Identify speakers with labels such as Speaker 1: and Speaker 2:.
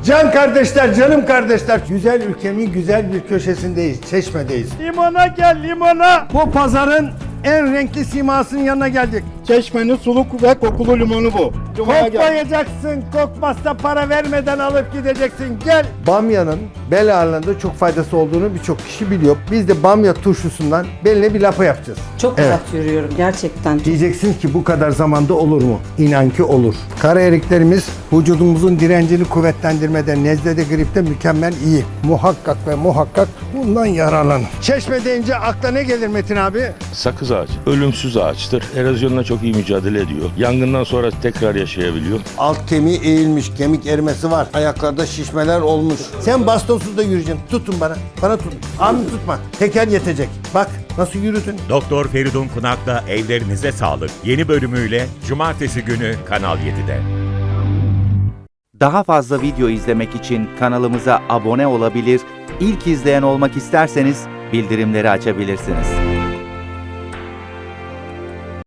Speaker 1: Can kardeşler, canım kardeşler. Güzel ülkemin güzel bir köşesindeyiz. Çeşme'deyiz.
Speaker 2: Limona gel limona.
Speaker 1: Bu pazarın en renkli simasının yanına geldik.
Speaker 2: Çeşmenin suluk ve kokulu limonu bu.
Speaker 1: Kokmayacaksın, kokmazsa para vermeden alıp gideceksin. Gel. Bamyanın bel ağrılarında çok faydası olduğunu birçok kişi biliyor. Biz de bamya turşusundan beline bir lapa yapacağız.
Speaker 3: Çok
Speaker 1: Evet.
Speaker 3: rahat yürüyorum gerçekten.
Speaker 1: Diyeceksin ki bu kadar zamanda olur mu? İnan ki olur. Kara eriklerimiz vücudumuzun direncini kuvvetlendirmede, nezlede, gripte mükemmel iyi. Muhakkak ve muhakkak bundan yararlanın. Çeşme deyince akla ne gelir Metin abi?
Speaker 4: Sakız ağacı ölümsüz ağaçtır. Erozyonla çok iyi mücadele ediyor. Yangından sonra tekrar yaşayabiliyor.
Speaker 1: Alt kemiği eğilmiş, kemik erimesi var. Ayaklarda şişmeler olmuş. Sen bastonsuz da yürüyeceksin. Tutun bana. Bana tutun. Anı tutma. Teker yetecek. Bak nasıl yürüdün.
Speaker 5: Doktor Feridun Kunak'la Evlerinize Sağlık yeni bölümüyle Cumartesi günü Kanal 7'de.
Speaker 6: Daha fazla video izlemek için kanalımıza abone olabilir, ilk izleyen olmak isterseniz bildirimleri açabilirsiniz.